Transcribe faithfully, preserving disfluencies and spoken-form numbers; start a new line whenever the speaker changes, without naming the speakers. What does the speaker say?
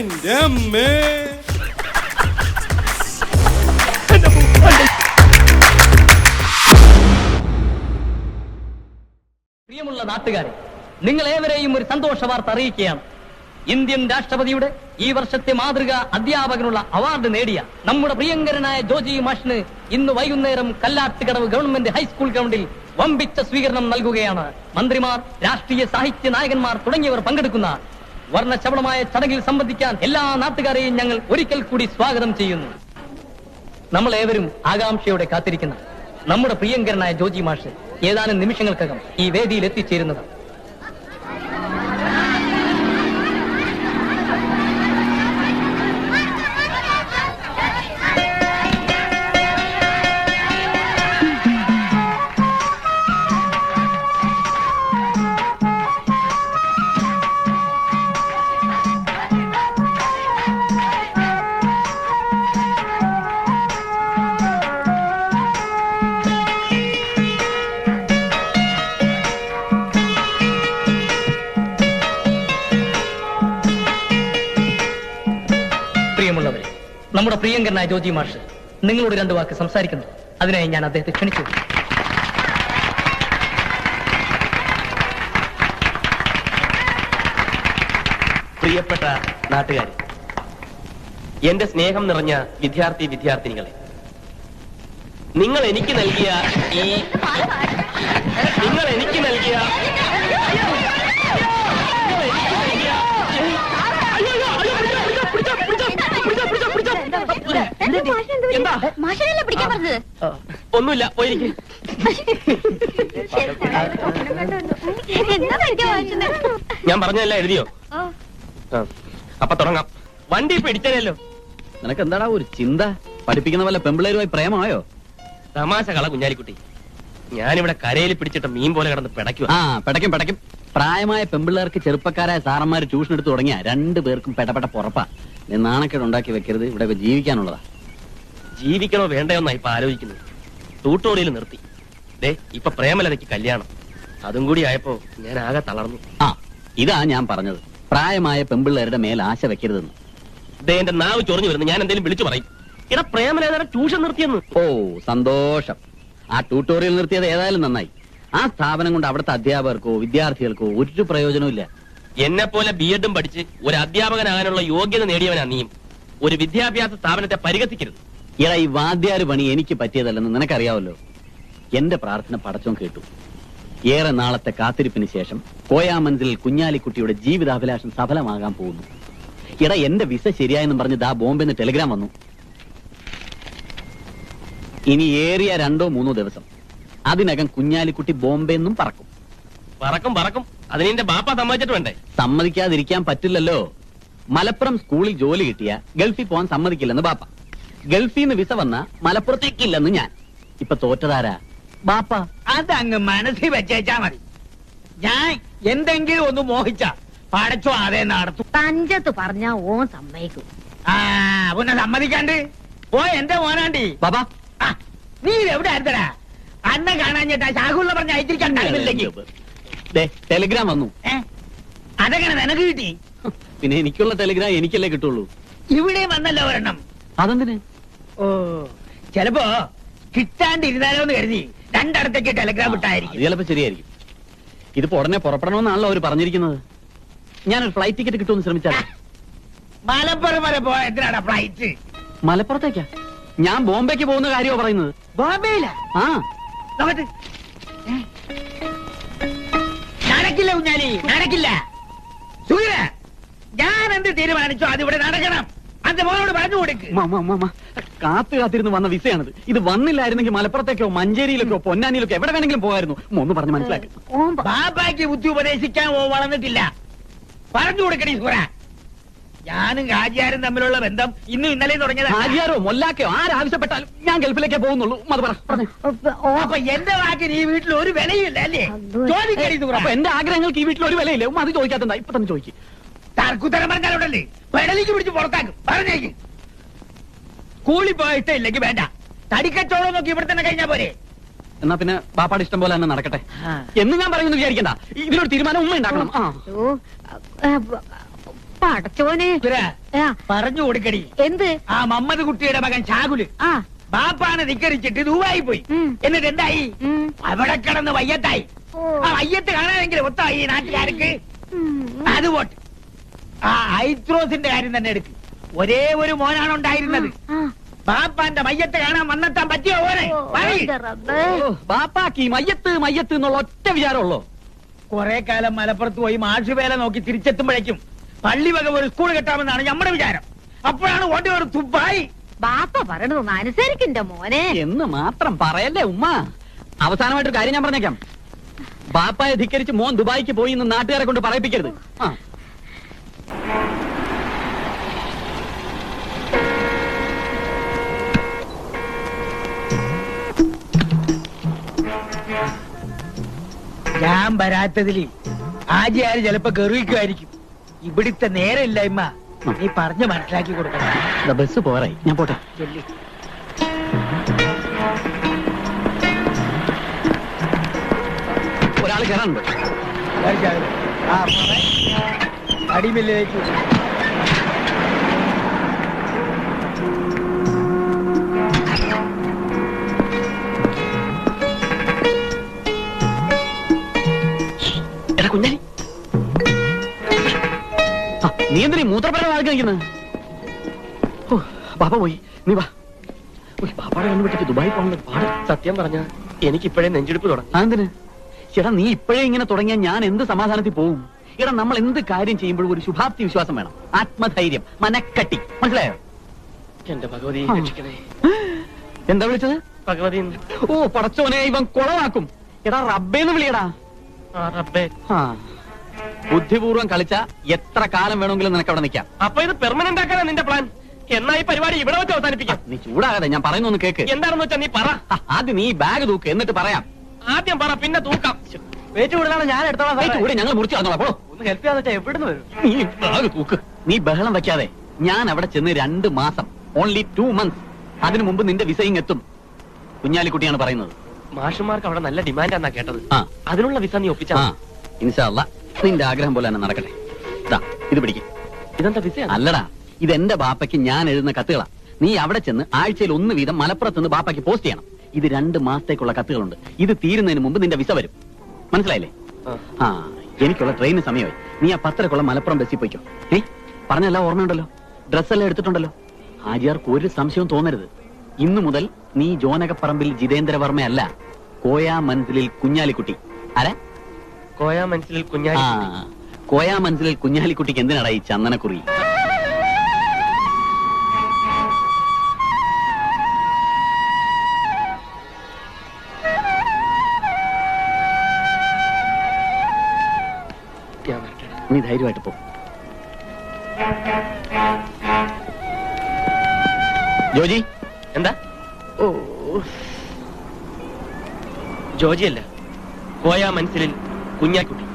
എന്റെ അമ്മേ.
പ്രിയമുള്ള നാട്ടുകാരെ, നിങ്ങൾ ഏവരെയും ഒരു സന്തോഷ വാർത്ത അറിയിക്കുകയാണ്. ഇന്ത്യൻ രാഷ്ട്രപതിയുടെ ഈ വർഷത്തെ മാതൃക അധ്യാപകനുള്ള അവാർഡ് നേടിയ നമ്മുടെ പ്രിയങ്കരനായ ജോജി മാഷിന് ഇന്ന് വൈകുന്നേരം കല്ലാട്ടുകടവ് ഗവൺമെന്റ് ഹൈസ്കൂൾ ഗ്രൗണ്ടിൽ വമ്പിച്ച സ്വീകരണം നൽകുകയാണ്. മന്ത്രിമാർ, രാഷ്ട്രീയ സാഹിത്യ നായകന്മാർ തുടങ്ങിയവർ പങ്കെടുക്കുന്ന വർണ്ണശബളമായ ചടങ്ങിൽ സംബന്ധിക്കാൻ എല്ലാ നാട്ടുകാരെയും ഞങ്ങൾ ഒരിക്കൽ കൂടി സ്വാഗതം ചെയ്യുന്നു. നമ്മൾ ഏവരും ആകാംക്ഷയോടെ കാത്തിരിക്കുന്ന നമ്മുടെ പ്രിയങ്കരനായ ജോജി മാഷ് ഏതാനും നിമിഷങ്ങൾക്കകം ഈ വേദിയിൽ എത്തിച്ചേരുന്നത്. പ്രിയമുള്ളവരെ, നമ്മുടെ പ്രിയങ്കരനായ ജോജി മാഷ് നിങ്ങളോട് രണ്ടു വാക്ക് സംസാരിക്കുന്നു. അതിനായി ഞാൻ അദ്ദേഹത്തെ ക്ഷണിച്ചു.
പ്രിയപ്പെട്ട നാട്ടുകാരെ, എന്റെ സ്നേഹം നിറഞ്ഞ വിദ്യാർത്ഥി വിദ്യാർത്ഥിനികളെ, നിങ്ങൾ എനിക്ക് നൽകിയ ഈ നിങ്ങൾ എനിക്ക് നൽകിയ ഒന്നുമില്ല, പോയിരിക്കും. ഞാൻ പറഞ്ഞതല്ല എഴുതിയോ? അപ്പൊ തുടങ്ങാം. വണ്ടി പിടിച്ചതല്ലോ.
നിനക്ക് എന്താടാ ഒരു ചിന്ത? പഠിപ്പിക്കുന്ന വല്ല പെമ്പിളേരുമായി പ്രേമമായോ?
തമാശ കള കുഞ്ഞാലിക്കുട്ടി. ഞാനിവിടെ കരയിൽ പിടിച്ചിട്ട് മീൻ പോലെ കിടന്ന് പിടയ്ക്കുക.
ആ, പിടയ്ക്കും പിടയ്ക്കും. പ്രായമായ പെമ്പിള്ളേർക്ക് ചെറുപ്പക്കാരായ സാറന്മാര് ട്യൂഷൻ എടുത്ത് തുടങ്ങിയ രണ്ടു പേർക്കും പെടപെട പുറപ്പാ. നീ നാണക്കേട് ഉണ്ടാക്കി വെക്കരുത്. ഇവിടെ ജീവിക്കാനുള്ളതാ.
ജീവിക്കണോ വേണ്ടയോന്നാ ഇപ്പൊ ആലോചിക്കുന്നത്. ട്യൂട്ടോറിയൽ നിർത്തി. ദേ ഇപ്പൊ പ്രേമലതയ്ക്ക് കല്യാണം. അതും കൂടി ആയപ്പോ ഞാൻ ആകെ തളർന്നു.
ആ, ഇതാ ഞാൻ പറഞ്ഞത്, പ്രായമായ പെമ്പിള്ളേരുടെ മേൽ ആശ വെക്കരുതെന്ന്.
ദേ എന്റെ നാവ് ചൊറിഞ്ഞു വരുന്നു. ഞാൻ എന്തെങ്കിലും വിളിച്ചു പറയും. ഇവിടെ പ്രേമലേതര ട്യൂഷൻ നിർത്തിയെന്ന്.
ഓ, സന്തോഷം. ആ ട്യൂട്ടോറിയൽ നിർത്തിയത് ഏതായാലും നന്നായി. ആ സ്ഥാപനം കൊണ്ട് അവിടുത്തെ അധ്യാപകർക്കോ വിദ്യാർത്ഥികൾക്കോ ഒരു പ്രയോജനവും ഇല്ല.
എന്നെ പോലെ ബി എഡും പഠിച്ച് ഒരു അധ്യാപകനാകാനുള്ള യോഗ്യത നേടിയവനാ നീയും. ഒരു വിദ്യാഭ്യാസ സ്ഥാപനത്തെ പരിഹസിക്കരുത്.
ഇയാ ഈ വാദ്യാര് പണി എനിക്ക് പറ്റിയതല്ലെന്ന് നിനക്കറിയാവല്ലോ. എന്റെ പ്രാർത്ഥന പടച്ചോൻ കേട്ടു. ഏറെ നാളത്തെ കാത്തിരിപ്പിന് ശേഷം കോയാമൻസിൽ കുഞ്ഞാലിക്കുട്ടിയുടെ ജീവിതാഭിലാഷം സഫലമാകാൻ പോകുന്നു. ഇട എന്റെ വിസ ശരിയായെന്നും പറഞ്ഞ് ദാ ബോംബെന്ന് ടെലിഗ്രാം വന്നു. ഇനി ഏറിയ രണ്ടോ മൂന്നോ ദിവസം അതിനകം കുഞ്ഞാലിക്കുട്ടി ബോംബെന്നും പറക്കും.
പറക്കും പറക്കും അതിനെ ബാപ്പ സമ്മതിച്ചിട്ട് വേണ്ടേ?
സമ്മതിക്കാതിരിക്കാൻ പറ്റില്ലല്ലോ. മലപ്പുറം സ്കൂളിൽ ജോലി കിട്ടിയ ഗൾഫിൽ പോകാൻ സമ്മതിക്കില്ലെന്ന് ബാപ്പ. ഗൾഫിൽ നിന്ന് വിസ വന്ന മലപ്പുറത്തേക്കില്ലെന്ന് ഞാൻ. ഇപ്പൊ തോറ്റതാരാ? ബാപ്പ.
അതങ്ങ് മനസ്സിൽ വെച്ചേച്ചാ മതി. ഞാൻ എന്തെങ്കിലും ഒന്ന് മോഹിച്ച പടച്ചോ അതേ നടത്തും.
തഞ്ചത്ത് പറഞ്ഞ ഓൻ സമ്മതിക്കും.
ആ പിന്നെ സമ്മതിക്കാണ്ട് ഓ എന്റെ മോനാണ്ടി.
ബാബാ,
നീ എവിടെ ആയിരുന്നടാ? അന്നെ കാണാൻ ചേട്ടാ ശാഖുള്ള പറഞ്ഞ അയച്ചിരിക്കാൻ കഴിവില്ലെങ്കിൽ.
ടെലിഗ്രാം വന്നു.
അതെങ്ങനെ നിനക്ക് കിട്ടി?
പിന്നെ എനിക്കുള്ള ടെലിഗ്രാം എനിക്കല്ലേ കിട്ടുള്ളൂ.
ഇവിടെ വന്നല്ലോ ഒരെണ്ണം.
അതെന്തിന്?
ഓ, ചിലപ്പോ കിട്ടാണ്ടിരുന്നാലോ എന്ന് കരുതി രണ്ടിടത്തേക്ക് ടെലിഗ്രാം വിട്ടായിരിക്കും.
ചിലപ്പോ ശരിയായിരിക്കും. ഇതിപ്പോ ഉടനെ പുറപ്പെടണമെന്നാണല്ലോ അവര് പറഞ്ഞിരിക്കുന്നത്. ഞാനൊരു ഫ്ലൈറ്റ് ടിക്കറ്റ് കിട്ടുമെന്ന് ശ്രമിച്ചാൽ.
മലപ്പുറം വരെ പോയ എന്തിനാണ് ഫ്ലൈറ്റ്?
മലപ്പുറത്തേക്കാ? ഞാൻ ബോംബെക്ക് പോകുന്ന കാര്യമോ പറയുന്നത്?
ബോംബെയില?
ആ,
നോക്കട്ടെ. നടക്കില്ല കുഞ്ഞാലി, നടക്കില്ല. സുഖിര, ഞാൻ എന്ത് തീരുമാനിച്ചോ അതിവിടെ നടക്കണം. അന്റെ മോനോട് പറഞ്ഞു കൊടുക്ക്.
കാത്തു കാത്തിരുന്ന് വന്ന വിസയാണിത്. ഇത് വന്നില്ലായിരുന്നെങ്കിൽ മലപ്പുറത്തേക്കോ മഞ്ചേരിയിലേക്കോ പൊന്നാനിയിലേക്കോ എവിടെ വേണമെങ്കിലും പോകായിരുന്നു. ഒന്ന് പറഞ്ഞ് മനസ്സിലാക്കി.
ബാബാക്ക് ബുദ്ധി ഉപദേശിക്കാൻ ഓ വളർന്നിട്ടില്ല. പറഞ്ഞു കൊടുക്കണേ സുഹറ. ഞാനും ഹാജിയാരും തമ്മിലുള്ള ബന്ധം ഇന്നും ഇന്നലെയും തുടങ്ങിയത്.
ഹാജിയാരോ മൊല്ലാക്കയോ ആരാവശ്യപ്പെട്ടാലും ഞാൻ ഗൾഫിലേക്കേ പോകുന്നുള്ളൂ. അത് പറ.
അപ്പൊ എന്റെ വാക്കിന് ഈ വീട്ടിൽ ഒരു വിലയില്ല അല്ലേ? ചോദിക്കണേ സുഹറ.
അപ്പൊ എന്റെ ആഗ്രഹങ്ങൾക്ക് ഈ വീട്ടിൽ ഒരു വിലയില്ലേ? ഉമ്മ അത് ചോദിക്കാത്ത ഇപ്പൊ തന്നെ ചോദിക്കും.
തർക്കുത്തരം പറഞ്ഞാലുണ്ടല്ലേ പെടലിക്ക് പിടിച്ച് പുറത്താക്കും. പറഞ്ഞേക്ക്. കൂലി പോയിട്ട് ഇല്ലെങ്കിൽ വേണ്ട. തടിക്കച്ചോളം നോക്കി ഇവിടെ തന്നെ കഴിഞ്ഞാ പോരെ.
എന്നാ പിന്നെ ബാപ്പാട് ഇഷ്ടം പോലെ തന്നെ നടക്കട്ടെ എന്ന് ഞാൻ പറയുന്നു. വിചാരിക്കണ്ട, ഇതിനൊരു തീരുമാനം ഉമ്മ ഉണ്ടാക്കണം.
പടച്ചോനെ
ഇവരാ,
ആ,
പറഞ്ഞു കൊടുക്കടി.
എന്ത്
ആ മമ്മദ് കുട്ടിയുടെ മകൻ ഷാകുല്
ആ
ബാപ്പാണ് ധിക്കരിച്ചിട്ട് ദുബായി പോയി.
ഉം.
എന്നിട്ട് എന്തായി?
ഉം.
അവിടെ കിടന്ന് വയ്യത്തായി.
ഓ.
ആ വയ്യത്ത് കാണാനെങ്കിലും ഒത്തായി ഈ നാട്ടുകാർക്ക്.
ഉം.
അത് പോട്ടെ. ആ ഐത്രോസിന്റെ കാര്യം തന്നെ എടുക്ക്. ഒരേ ഒരു മോനാണ് ഉണ്ടായിരുന്നത്.
ആ.
ബാപ്പാന്റെ മയ്യത്ത് കാണാൻ വന്നെത്താൻ പറ്റിയോ ഓനെ?
ഓ,
പറയ്.
എന്റെ റബ്ബേ.
ബാപ്പാക്ക് ഈ മയ്യത്ത് മയ്യത്ത് എന്നുള്ള ഒറ്റ വിചാരമുള്ളോ?
കുറെ കാലം മലപ്പുറത്ത് പോയി മാഷുവേല നോക്കി തിരിച്ചെത്തുമ്പോഴേക്കും പള്ളി വക ഒരു സ്കൂൾ കെട്ടാമെന്നാണ് നമ്മുടെ വിചാരം. അപ്പോഴാണ് ഓന്റെ ഒരു തുപ്പായി.
ബാപ്പ പറയണതൊന്ന് അനുസരിക്കണ്ട മോനെ.
എന്ന് മാത്രം പറയല്ലേ ഉമ്മ. അവസാനമായിട്ടൊരു കാര്യം ഞാൻ പറഞ്ഞേക്കാം. ബാപ്പായെ ധിക്കരിച്ച് മോൻ ദുബായിക്ക് പോയി എന്ന് നാട്ടുകാരെ കൊണ്ട് പറയിപ്പിക്കരുത്. ആ
ഞാൻ വരാത്തതില് ആജിയാര് ചിലപ്പോ ഗർവിക്കുമായിരിക്കും. ഇവിടുത്തെ നേരമില്ലായ്മ നീ പറഞ്ഞ് മനസ്സിലാക്കി കൊടുക്കണം.
ദാ ബസ് പോരായി, ഞാൻ പോട്ടെ.
ചെല്ലി.
ഒരാൾ കയറാനുണ്ട്.
ആ അടിമില്ലേക്ക്
എടാ കുഞ്ഞാലി,
ആ, നീ എന്തിനീ മൂത്രപ്പര വാഴ കഴിക്കുന്നത്? ബാപ്പ പോയി, നീ വാ. ഉയ്, ബാപ്പാടെ കണ്ണു വിട്ടിട്ട് ദുബായി പോകണത് പാട്.
സത്യം പറഞ്ഞ എനിക്കിപ്പോഴേ നെഞ്ചെടുപ്പ് തുടങ്ങും.
അതെന്തിന്? ചേട്ടാ, നീ ഇപ്പോഴേ ഇങ്ങനെ തുടങ്ങിയാൽ ഞാൻ എന്ത് സമാധാനത്തിൽ പോവും? എടാ, നമ്മൾ എന്ത് കാര്യം ചെയ്യുമ്പോഴും ഒരു ശുഭാപ്തി വിശ്വാസം വേണം. ആത്മധൈര്യം, മനക്കട്ടി. മനസ്സിലായോ?
എന്റെ ഭഗവതി
ആ.
രക്ഷിക്കണേ.
എന്താ വിളിച്ചത്?
ഭഗവതി
ഓ പടച്ചോനെ, ഇവൻ കുളമാക്കും. എടാ റബ്ബേന്ന് വിളിയടാ.
ആ റബ്ബേ.
ആ, ബുദ്ധിപൂർവ്വം കളിച്ച എത്ര കാലം വേണമെങ്കിലും നിനക്ക് അവിടെ നിൽക്കാം.
അപ്പൊ ഇത് പെർമനന്റ് ആക്കാനാ നിന്റെ പ്ലാൻ? എന്നാ ഈ പരിപാടി ഇവിടെ വെച്ച് അവസാനിപ്പിക്കാം.
നീ ചൂടാകാതെ, ഞാൻ പറയുന്നൊന്ന് കേക്ക്.
എന്താണെന്ന് വെച്ചാ നീ പറ.
ആ, ആദ്യം നീ ബാഗ് തൂക്ക്, എന്നിട്ട് പറയാം.
ആദ്യം പറ, പിന്നെ തൂക്കാം.
വെയിറ്റ് കൂടുതലാണ്, ഞാൻ എടുത്തോളാം സാറേ.
കൂടെ ഞങ്ങൾ മുറിച്ചു തന്നോളാം. പോളോ,
ഒന്ന് ഹെൽപ്പ് ചെയ്യാന്ന് വെച്ചാൽ എവിടുന്ന് വരും?
നീ ബാഗ് തൂക്ക്. നീ ബഹളം വെക്കാതെ. ഞാൻ അവിടെ ചെന്ന് രണ്ട് മാസം, ഓൺലി ടു മന്ത്സ്. അതിനു മുമ്പ് നിന്റെ വിസയും എത്തും. കുഞ്ഞാലിക്കുട്ടിയാണ് പറയുന്നത്.
മാഷുമാർക്ക് അവിടെ നല്ല ഡിമാൻഡാന്നാ കേട്ടത്.
ആ.
അതിനുള്ള വിസ നീ ഒപ്പിച്ചാ
ആ, ഇൻഷാ അല്ലാ, നിന്റെ ആഗ്രഹം പോലെ തന്നെ നടക്കട്ടെ. ഇതാ, ഇത് പിടിക്കും.
ഇതെന്താ വിസ?
അല്ലടാ, ഇത് എന്റെ ബാപ്പയ്ക്ക് ഞാൻ എഴുതുന്ന കത്തുകളാ. നീ അവിടെ ചെന്ന് ആഴ്ചയിൽ ഒന്ന് വീതം മലപ്പുറത്ത് നിന്ന് ബാപ്പയ്ക്ക് പോസ്റ്റ് ചെയ്യണം. ഇത് രണ്ട് മാസത്തേക്കുള്ള കത്തുകളുണ്ട്. ഇത് തീരുന്നതിന് മുമ്പ് നിന്റെ വിസ വരും. മനസ്സിലായില്ലേ? ആ, എനിക്കുള്ള ട്രെയിന് സമയമായി. നീ ആ പത്തരക്കുള്ള മലപ്പുറം ബസ്സിൽ പോയിക്കോ. ഏ പറഞ്ഞെല്ലാം ഓർമ്മയുണ്ടല്ലോ? ഡ്രസ്സെല്ലാം എടുത്തിട്ടുണ്ടല്ലോ? ഹാജിയാർക്ക് ഒരു സംശയവും തോന്നരുത്. ഇന്നു മുതൽ നീ ജോനകപ്പറമ്പിൽ ജിതേന്ദ്രവർമ്മയല്ല, കോയാ മൻസിലിൽ കുഞ്ഞാലിക്കുട്ടി. ആരാ?
കോയാ മനസ്സിൽ
ആ,
കുഞ്ഞാലി.
കോയാ മൻസിലിൽ കുഞ്ഞാലിക്കുട്ടിക്ക് എന്തിനാടാ ഈ ചന്ദനക്കുറി?
ഞാൻ വരട്ടെ.
നീ ധൈര്യമായിട്ട് പോ. ജോജി.
എന്താ? ഓ, ജോജി അല്ല, കോയാ മനസ്സിൽ കുഞ്ഞാക്കുട്ടി.